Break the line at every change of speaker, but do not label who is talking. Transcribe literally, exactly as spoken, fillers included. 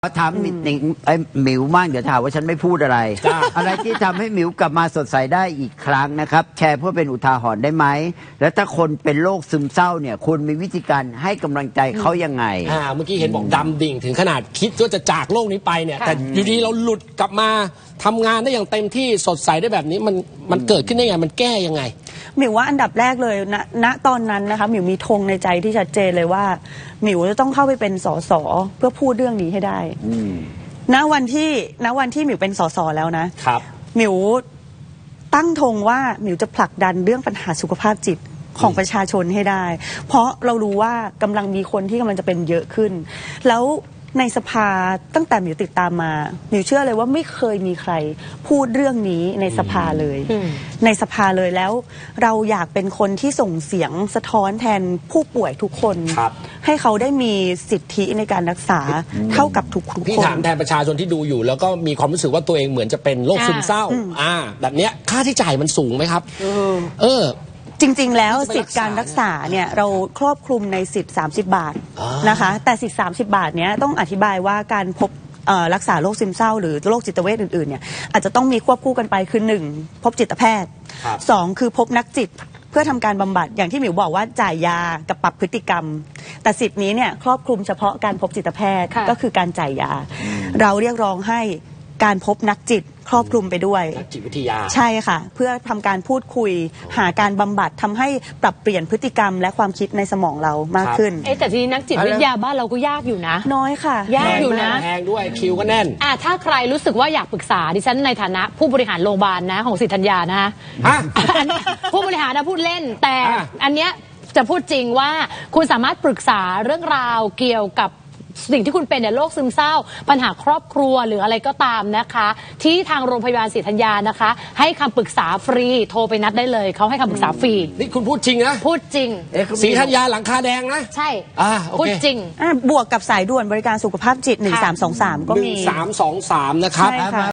ถามหนิงไอ้หมิวมากเดี๋ยวถามว่าฉันไม่พูดอะไร อะไรที่ทำให้หมิวกลับมาสดใสได้อีกครั้งนะครับแชร์เพื่อเป็นอุทาหรณ์ได้ไหมแล้วถ้าคนเป็นโรคซึมเศร้าเนี่ยคุณมีวิธีการให้กำลังใจเขายังไง
อ่าเมื่อกี้เห็นบอกดำดิ่งถึงขนาดคิดว่าจะจากโลกนี้ไปเนี่ยแต่อยู่ดีเราหลุดกลับมาทำงานได้อย่างเต็มที่สดใสได้แบบนี้มันมันเกิดขึ้นได้ไงมันแก้ยังไง
หมิวว่าอันดับแรกเลยณณตอนนั้นนะคะหมิวมีธงในใจที่ชัดเจนเลยว่าหมิวจะต้องเข้าไปเป็นสสเพื่อพูดเรื่องนี้ให้ได้ณวันที่ณวันที่หมิวเป็นสสแล้วนะครับหมิวตั้งธงว่าหมิวจะผลักดันเรื่องปัญหาสุขภาพจิตของประชาชนให้ได้ เพราะเรารู้ว่ากำลังมีคนที่กำลังจะเป็นเยอะขึ้นแล้วในสภาตั้งแต่หมิวติดตามมาหมิวเชื่อเลยว่าไม่เคยมีใครพูดเรื่องนี้ในสภาเลยในสภาเลยแล้วเราอยากเป็นคนที่ส่งเสียงสะท้อนแทนผู้ป่วยทุกคนให้เขาได้มีสิทธิในการรักษาเท่ากับทุกคน
พี่ถามแทนประชาชนที่ดูอยู่แล้วก็มีความรู้สึกว่าตัวเองเหมือนจะเป็นโรคซึมเศร้าอ่าแบบเนี้ยค่าใช้จ่ายมันสูงไหมครับเออ
จริงๆแล้วสิทธิการรักษาเนี่ยเราครอบคลุมในสิทธิ์สามสิบบาทนะคะแต่สิทธิ์สามสิบบาทเนี้ยต้องอธิบายว่าการพบรักษาโรคซึมเศร้าหรือโรคจิตเวชอื่นๆเนี่ยอาจจะต้องมีควบคู่กันไปคือหนึ่งพบจิตแพทย์สองคือพบนักจิตเพื่อทำการบำบัดอย่างที่หมิวบอกว่าจ่ายยากับปรับพฤติกรรมแต่สิทธินี้เนี่ยครอบคลุมเฉพาะการพบจิตแพทย์ก็คือการจ่ายยาเราเรียกร้องให้การพบนักจิตครอบคลุมไปด้วย
นักจิตวิทยา
ใช่ค่ะเพื่อทำการพูดคุยหาการบำบัดทำให้ปรับเปลี่ยนพฤติกรรมและความคิดในสมองเรามากขึ้น
เอ๊ะแต่ทีนี้นักจิตวิทยาบ้านเราก็ยากอยู่นะ
น้อยค่ะ
ยากอยู่นะ
แพงด้วยคิวก็แน่น
อ่ะถ้าใครรู้สึกว่าอยากปรึกษาดิฉันในฐานะผู้บริหารโรงพยาบาลนะของสิทธัญญานะผู้บริหารนะพูดเล่นแต่อันเนี้ยจะพูดจริงว่าคุณสามารถปรึกษาเรื่องราวเกี่ยวกับสิ่งที่คุณเป็นเนี่ยโรคซึมเศร้าปัญหาครอบครัวหรืออะไรก็ตามนะคะที่ทางโรงพยาบาลศรีธัญญานะคะให้คำปรึกษาฟรีโทรไปนัดได้เลยเขาให้คำปรึกษาฟรี
นี่คุณพูดจริงนะ
พูดจริง
ศรีธัญญาหลังคาแดงนะ
ใช่พูดจริง
บวกกับสายด่วนบริการสุขภาพจิตหนึ่งสามสองสามก็มี
หนึ่งสามสองสามนะครับ